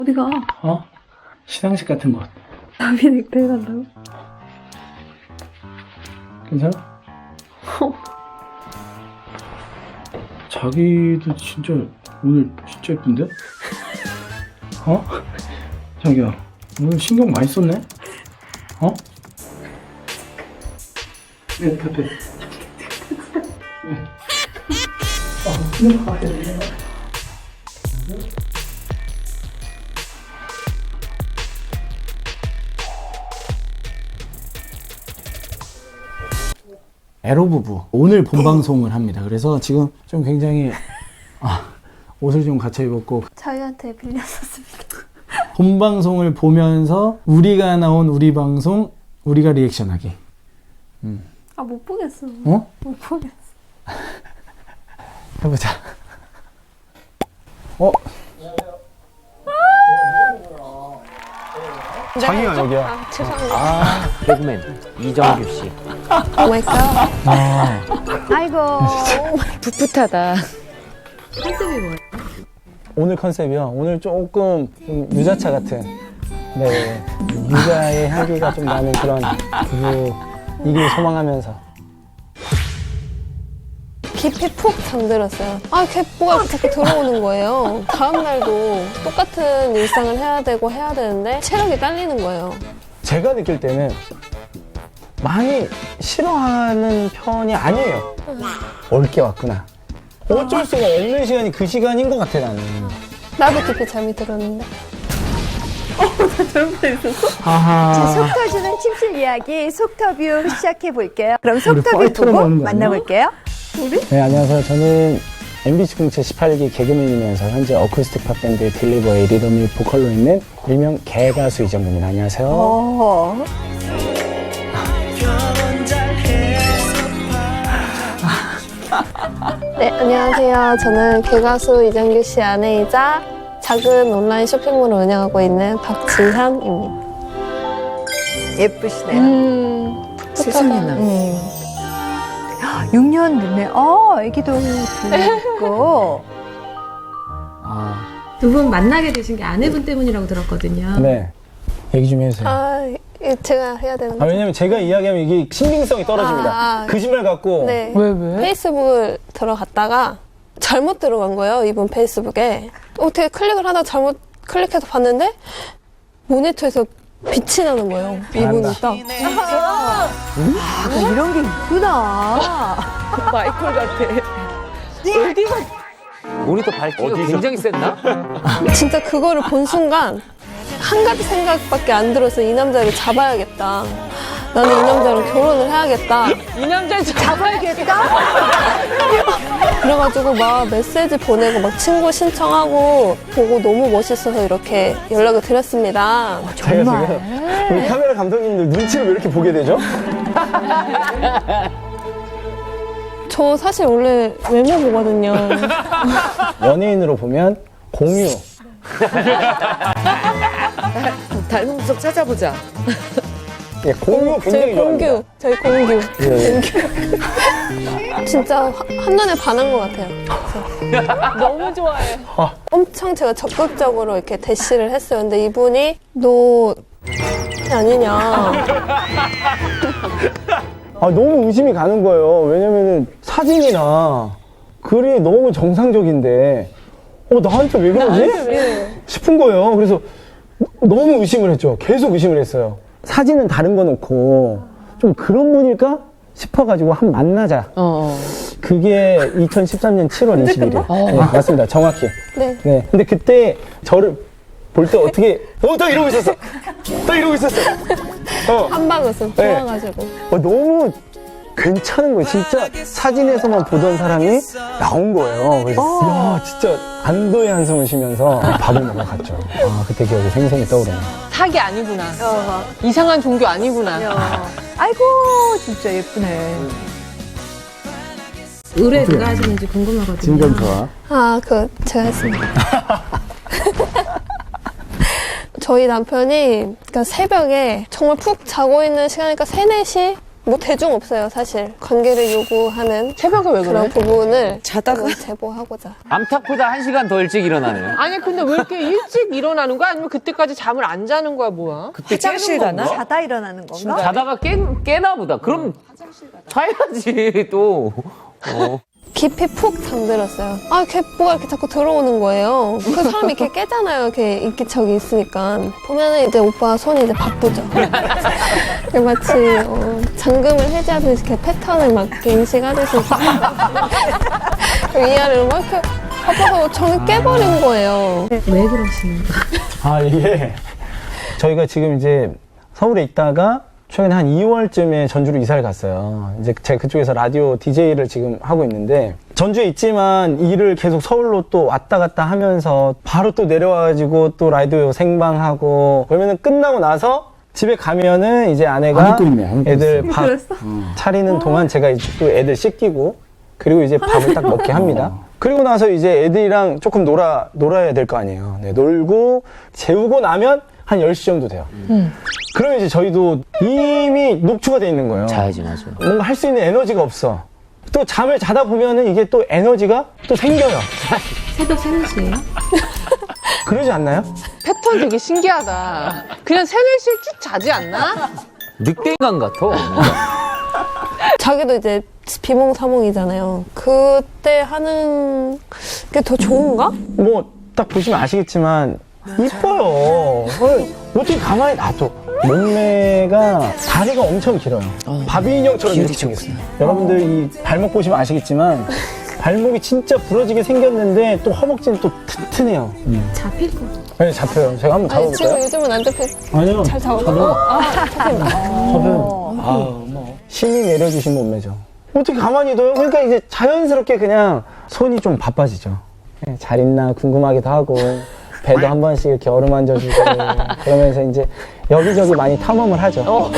어디가? 어? 시상식 같은 곳. 나비 넥타이 간다고? 괜찮아? 자기도 진짜 오늘 진짜 예쁜데? 어? 자기야 오늘 신경 많이 썼네? 어? 네, 카페. 에로 부부 오늘 본방송을 합니다. 그래서 지금 좀 굉장히 옷을 좀 갖춰 입었고 자기한테 빌렸었습니다. 본방송을 보면서 우리가 나온 우리 방송 우리가 리액션하기. 아, 못 보겠어. 어? 못 보겠어. 해보자. 어? 자기가 여기야. 아, 죄송합니다. 개그맨 이정규 씨. 오 마이 갓. 아이고 풋풋하다. 컨셉이 뭐예요? 오늘 컨셉이요. 오늘 조금 좀 유자차 같은, 네, 유자의 향기가 좀 나는 그런 부부이길 소망하면서. 깊이 푹 잠들었어요. 아, 뭐가 자꾸 들어오는 거예요. 다음 날도 똑같은 일상을 해야 되고 해야 되는데 체력이 딸리는 거예요. 제가 느낄 때는 많이 싫어하는 편이 아니에요. 옳게 왔구나. 어쩔 수가 없는 시간이 그 시간인 것 같아, 나는. 나도 깊이 잠이 들었는데. 자, 속 터지는 침실 이야기 속터뷰 시작해 볼게요. 그럼 속터뷰 파이터로 보고 나오는 거 아니야? 만나볼게요. 네, 안녕하세요. 저는 MBC 공채 18기 개그맨이면서 현재 어쿠스틱 팝밴드 딜리버의 리더미 보컬로 있는 일명 개가수 이정근입니다. 안녕하세요. 어. 네, 안녕하세요. 저는 개가수 이정규 씨 아내이자 작은 온라인 쇼핑몰을 운영하고 있는 박지현입니다. 예쁘시네요. 세상에나. 6년 됐네. 애기도 있고. 두 분 만나게 되신 게 아내분 때문이라고 들었거든요. 네. 얘기 좀 해주세요. 이거 제가 해야 되는 거죠? 왜냐면 제가 이야기하면 이게 신빙성이 떨어집니다. 거짓말 같고. 네. 왜? 페이스북을 들어갔다가 잘못 들어간 거예요, 이분 페이스북에. 어떻게 클릭을 하다가 잘못 클릭해서 봤는데 모니터에서 빛이 나는 거예요. 이분이 딱. 이런 게 있구나. 마이콜 같아. 모니터 밝기가 굉장히 센다? 진짜 그거를 본 순간 한 가지 생각밖에 안 들어서 이 남자를 잡아야겠다. 나는 이 남자랑 결혼을 해야겠다. 이 남자를 잡아야겠다? 그래가지고 막 메시지 보내고 막 친구 신청하고 보고 너무 멋있어서 이렇게 연락을 드렸습니다. 제가 지금 우리 카메라 감독님들 눈치를 왜 이렇게 보게 되죠? 저 사실 원래 외모 보거든요. 연예인으로 보면 공유. 닮은 구석 찾아보자. 예, 공유 굉장히 좋아합니다. 저희 공규. 예. 진짜 한눈에 반한 것 같아요. 너무 좋아해. 엄청 제가 적극적으로 이렇게 대시를 했어요. 근데 이분이 너 아니냐. 너무 의심이 가는 거예요. 왜냐면은 사진이나 글이 너무 정상적인데 나한테 왜 그러지? 싶은 거예요. 그래서 너무 의심을 했죠. 계속 의심을 했어요. 사진은 다른 거 놓고 좀 그런 분일까 싶어가지고 한번 만나자. 그게 2013년 7월 21일. 네, 맞습니다. 정확히. 네. 네. 근데 그때 저를 볼 때 어떻게 또 이러고 있었어. 또 이러고 있었어. 한방 웃음 네. 좋아가지고. 너무 괜찮은 거예요. 진짜 사진에서만 보던 사람이 나온 거예요. 그래서 야, 진짜 안도의 한숨을 쉬면서 밥을 먹으러 갔죠. 그때 기억이 생생히 떠오르네요. 사기 아니구나. 이상한 종교 아니구나. 아이고 진짜 예쁘네. 의뢰 누가 하시는지 궁금하거든요. 좋아. 제가 했습니다. 저희 남편이 그러니까 새벽에 정말 푹 자고 있는 시간이니까 3, 4시 뭐 대중 없어요, 사실. 관계를 요구하는 새벽에 왜 그런 그래? 부분을 자다가 제보하고자. 암탉보다 1시간 더 일찍 일어나네요. 아니 근데 왜 이렇게 일찍 일어나는 거야? 아니면 그때까지 잠을 안 자는 거야 뭐야? 그때 화장실 가나? 자다 일어나는 건가? 자다가 깨나 보다. 그럼 자야지 또. 깊이 푹 잠들었어요. 아, 걔 뭐가 이렇게 자꾸 들어오는 거예요. 그 사람이 이렇게 깨잖아요. 이렇게 인기척이 있으니까. 보면은 이제 오빠 손이 이제 바쁘죠. 마치 잠금을 해제하듯이 이렇게 패턴을 막 이렇게 인식하듯이 위아래로 막 이렇게 바빠서 저는 깨버린 거예요. 아, 이게 저희가 지금 이제 서울에 있다가 최근에 한 2월쯤에 전주로 이사를 갔어요. 이제 제가 그쪽에서 라디오 DJ를 지금 하고 있는데 전주에 있지만 일을 계속 서울로 또 왔다 갔다 하면서 바로 또 내려와가지고 또 라디오 생방하고 그러면은 끝나고 나서 집에 가면은 이제 아내가 애들 밥 차리는 동안 제가 이제 또 애들 씻기고 그리고 이제 밥을 딱 먹게 합니다. 그리고 나서 이제 애들이랑 조금 놀아야 될 거 아니에요. 네, 놀고 재우고 나면 한 10시 정도 돼요. 그러면 이제 저희도 이미 녹초가 돼 있는 거예요. 자야지, 맞아. 뭔가 할 수 있는 에너지가 없어. 또 잠을 자다 보면은 이게 또 에너지가 또 생겨요. 새벽 3시에요? 그러지 않나요? 패턴 되게 신기하다. 그냥 3-4시에 쭉 자지 않나? 늑대인간 같아. 자기도 이제 비몽사몽이잖아요. 그때 하는 게 더 좋은가? 뭐 딱 보시면 아시겠지만 이뻐요. 어떻게 가만히 놔둬. 몸매가 다리가 엄청 길어요. 바비 인형처럼 이렇게 생겼어요. 여러분들 이 발목 보시면 아시겠지만 발목이 진짜 부러지게 생겼는데 또 허벅지는 또 튼튼해요. 잡힐 거. 네, 잡혀요. 제가 한번 아니, 지금 잡아볼까요? 요즘은 안 잡혀. 아니요. 잘 잡아요. 잡힙니다. 잡혀요. 힘이 내려주신 몸매죠. 어떻게 가만히 둬요? 그러니까 이제 자연스럽게 그냥 손이 좀 바빠지죠. 네, 잘 있나 궁금하기도 하고 배도 한 번씩 이렇게 어루만져주고 그러면서 이제 여기저기 많이 탐험을 하죠.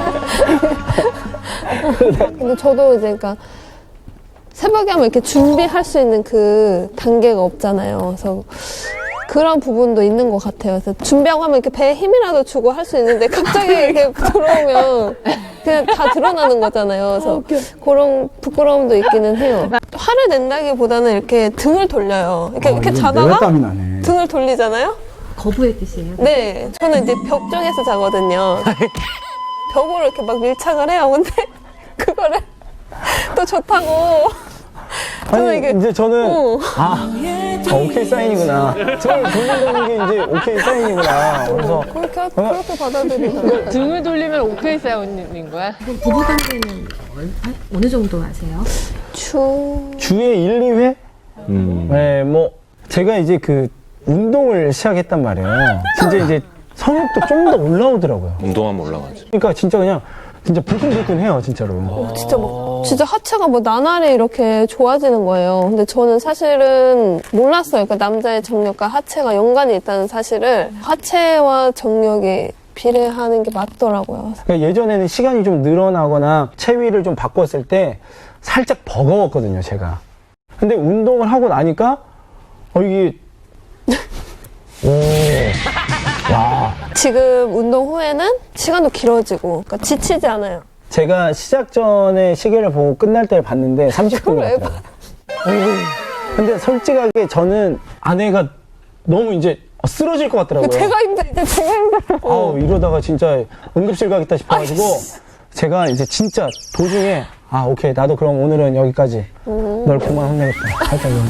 근데 저도 이제 그러니까 새벽에 하면 이렇게 준비할 수 있는 그 단계가 없잖아요. 그래서 그런 부분도 있는 것 같아요. 그래서 준비하고 하면 이렇게 배에 힘이라도 주고 할 수 있는데 갑자기 이렇게 들어오면 그냥 다 드러나는 거잖아요. 그래서 그런 부끄러움도 있기는 해요. 화를 낸다기보다는 이렇게 등을 돌려요. 이렇게 자다가 등을 돌리잖아요. 거부의 뜻이에요? 네, 저는 이제 벽 쪽에서 자거든요. 벽으로 이렇게 막 밀착을 해요. 근데 그거를 또 좋다고. 저는 아니 이게 이제 저는 오케이 사인이구나. 등을 돌린다는 게 이제 오케이 사인이구나. 그래서 그렇게 받아들이잖아요. 등을 돌리면 오케이 사운드인 거야? 그럼 부부관계는 어느 정도 하세요? 주에 1, 2회? 네, 뭐 제가 이제 그 운동을 시작했단 말이에요. 진짜 이제 성욕도 좀 더 올라오더라고요. 운동하면 올라가죠. 그러니까 진짜 그냥 진짜 불끈불끈해요, 진짜로. 진짜 하체가 뭐 나날이 이렇게 좋아지는 거예요. 근데 저는 사실은 몰랐어요. 그러니까 남자의 정력과 하체가 연관이 있다는 사실을. 하체와 정력이 비례하는 게 맞더라고요. 그러니까 예전에는 시간이 좀 늘어나거나 체위를 좀 바꿨을 때 살짝 버거웠거든요, 제가. 근데 운동을 하고 나니까 이게 와. 지금 운동 후에는 시간도 길어지고 그러니까 지치지 않아요. 제가 시작 전에 시계를 보고 끝날 때를 봤는데 30분 왜 같아요. 근데 솔직하게 저는 아내가 너무 이제 쓰러질 것 같더라고요. 제가 힘들어. 아우, 이러다가 진짜 응급실 가겠다 싶어가지고 제가 이제 진짜 도중에 오케이, 나도 그럼 오늘은 여기까지. 널 그만 혼내겠다. 살짝 이런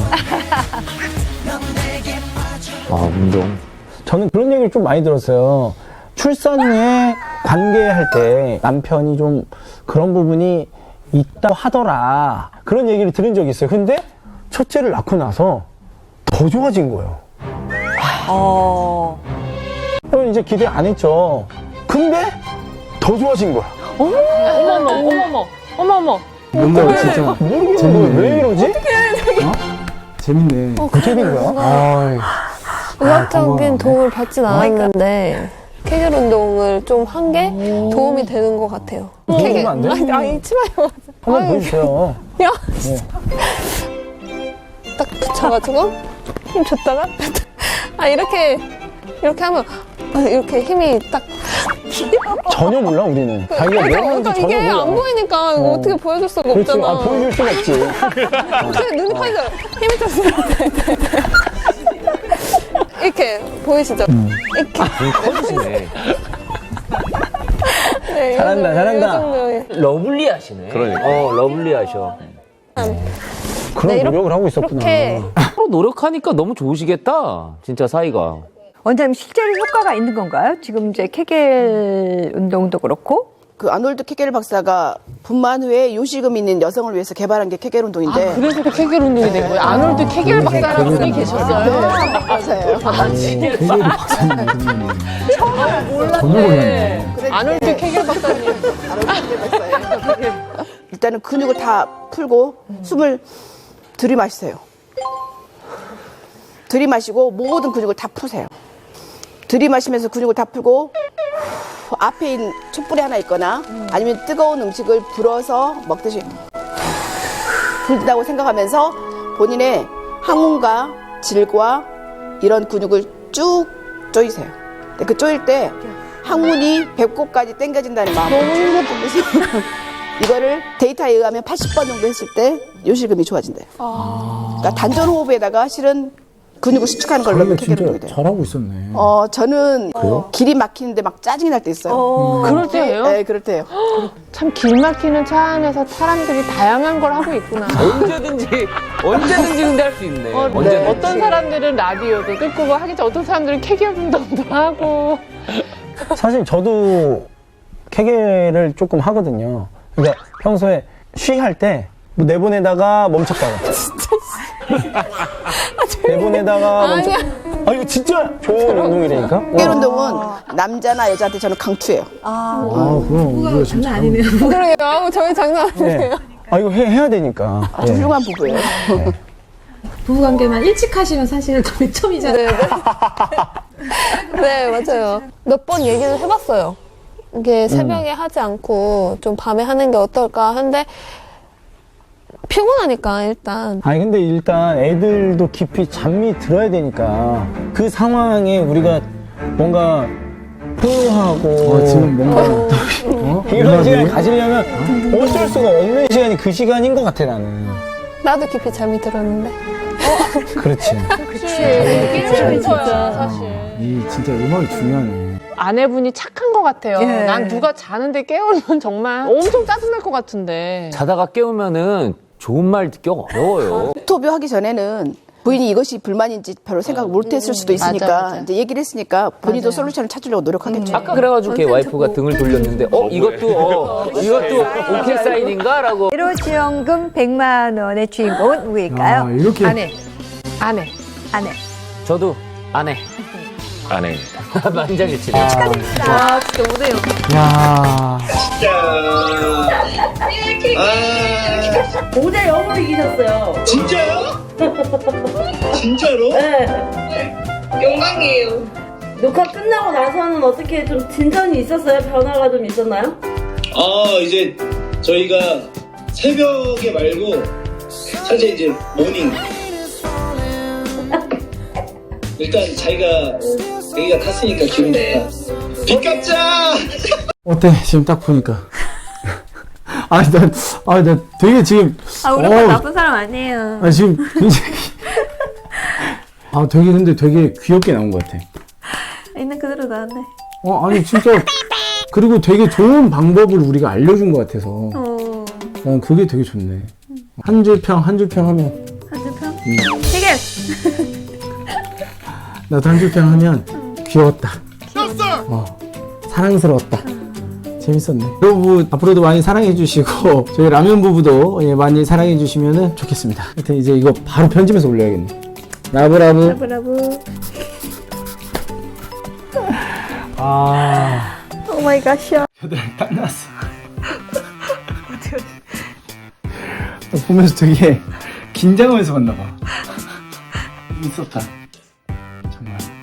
거. 운동. 저는 그런 얘기를 좀 많이 들었어요. 출산 후에 관계할 때 남편이 좀 그런 부분이 있다고 하더라. 그런 얘기를 들은 적이 있어요. 근데 첫째를 낳고 나서 더 좋아진 거예요. 그럼 이제 기대 안 했죠. 근데 더 좋아진 거야. 어머머. 뭔가 진짜 모르겠는 거야. 왜 이러지? 재밌네. 어떻게 된 거야? 의학적인 도움을 받진 않았는데 케겔 운동을 좀 한 게 도움이 되는 것 같아요. 보여주면 안 돼? 아니 치마요. 한번 보여주세요. 야, 딱 붙여가지고 힘 줬다가 이렇게 하면 이렇게 힘이 딱 전혀 몰라 우리는. 자기가 뭐 하는지 그러니까 전혀 이게 몰라. 안 보이니까 이거 어떻게 보여줄 수가 그렇지. 없잖아. 아, 보여줄 수가 없지. 어떻게 눈이 파니까 힘이 쳤어요. 이렇게 보이시죠? 이렇게. 눈 커지네. 네, 잘한다, 이 잘한다. 정도의. 러블리하시네. 그러니까. 러블리하셔. 그런 네, 노력을 하고 있었구나. 이렇게 서로 노력하니까 너무 좋으시겠다. 진짜 사이가. 원장님 실제로 효과가 있는 건가요? 지금 이제 케겔 운동도 그렇고 그 아놀드 케겔 박사가 분만 후에 요실금 있는 여성을 위해서 개발한 게 케겔 운동인데 그래서 그 케겔 운동이 된 거예요. 아놀드 케겔 박사라는 분이 계셨어요. 맞아요. 아놀드 케겔 박사님. 일단은 근육을 다 풀고 숨을 들이마시세요. 들이마시고 모든 근육을 다 푸세요. 들이마시면서 근육을 다 풀고 앞에 있는 촛불이 하나 있거나 아니면 뜨거운 음식을 불어서 먹듯이 불다고 생각하면서 본인의 항문과 질과 이런 근육을 쭉 조이세요. 근데 그 조일 때 항문이 배꼽까지 당겨진다는 마음으로 쭉 보면서 이거를 데이터에 의하면 80번 정도 했을 때 요실금이 좋아진대요. 그러니까 단전 호흡에다가 실은 근육을 수축하는 걸로 근데 케겔 진짜 운동이 돼요. 잘하고 있었네. 저는 길이 막히는데 막 짜증이 날 때 있어요. 그럴 때예요? 네, 그럴 때요. 참 길 막히는 차 안에서 사람들이 다양한 걸 하고 있구나. 언제든지 근데 할 수 있네. 언제든지. 어떤 사람들은 라디오도 듣고 뭐 하겠지. 어떤 사람들은 케겔 운동도 하고. 사실 저도 케겔을 조금 하거든요. 그러니까 평소에 쉬할 때 뭐 내보내다가 멈췄다가 내보내다가 아니야. 아 이거 진짜 좋은 운동이라니까. 케겔 운동은 남자나 여자한테 저는 강추예요. 그럼 뭐가 장난 아니네요. 그러게요. 아우, 저희 장난 아니에요. 네. 아 이거 해야 되니까. 아주 훌륭한 부부예요. 부부관계만 일찍 하시면 사실 더 매점이잖아요. 네, 맞아요. 몇 번 얘기를 해봤어요. 이게 새벽에 하지 않고 좀 밤에 하는 게 어떨까 하는데 피곤하니까 일단. 아니 근데 일단 애들도 깊이 잠이 들어야 되니까 그 상황에 우리가 뭔가 포효하고 지금 뭔가 이런 시간을 가지려면 어쩔 수가 없는 시간이 그 시간인 것 같아 나는. 나도 깊이 잠이 들었는데. 그렇지. 깨우는 거야, 사실. 이 진짜 음악이 중요하네. 아내분이 착한 것 같아요. 예. 난 누가 자는데 깨우면 정말 엄청 짜증날 것 같은데. 자다가 깨우면은 좋은 말 듣기 어려워요. 인터뷰 하기 전에는 부인이 이것이 불만인지 별로 생각을 못 했을 수도 있으니까 맞아. 이제 얘기를 했으니까 본인도 솔루션을 찾으려고 노력하겠죠. 아까 그래가지고 걔 와이프가 등을 돌렸는데 이것도 오케이 사인인가라고. 의료지원금 100만 원의 주인공은 누구일까요? 이렇게 아내. 아내. 저도 아내. 아내입니다. 만장일치네. 아, 진짜 오네요. 야. 모자 영어로 이기셨어요. 진짜요? 진짜로? 네. 영광이에요. 녹화 끝나고 나서는 어떻게 좀 진전이 있었어요? 변화가 좀 있었나요? 이제 저희가 새벽에 말고 사실 이제 모닝. 일단 자기가 탔으니까 기분 좋다. 비깝자! 어때 지금 딱 보니까. 나 되게 지금. 우리 오빠 나쁜 사람 아니에요. 지금 굉장히. 되게 근데 되게 귀엽게 나온 것 같아. 있는 그대로 나왔네. 아니 진짜 그리고 되게 좋은 방법을 우리가 알려준 것 같아서 난 그게 되게 좋네. 한 줄 평 하면 한줄평? 해결! 나도 한 줄 평 하면 귀여웠다. 사랑스러웠다. 재밌었네. 여러분 앞으로도 많이 사랑해 주시고 저희 라면 부부도 많이 사랑해 주시면 좋겠습니다. 하여튼 이제 이거 바로 편집해서 올려야겠네. 라브라브. 브라보. 오 마이 갓이야. 딱 나왔어. 보면서 되게 긴장하면서 봤나 봐. 있었다. 정말.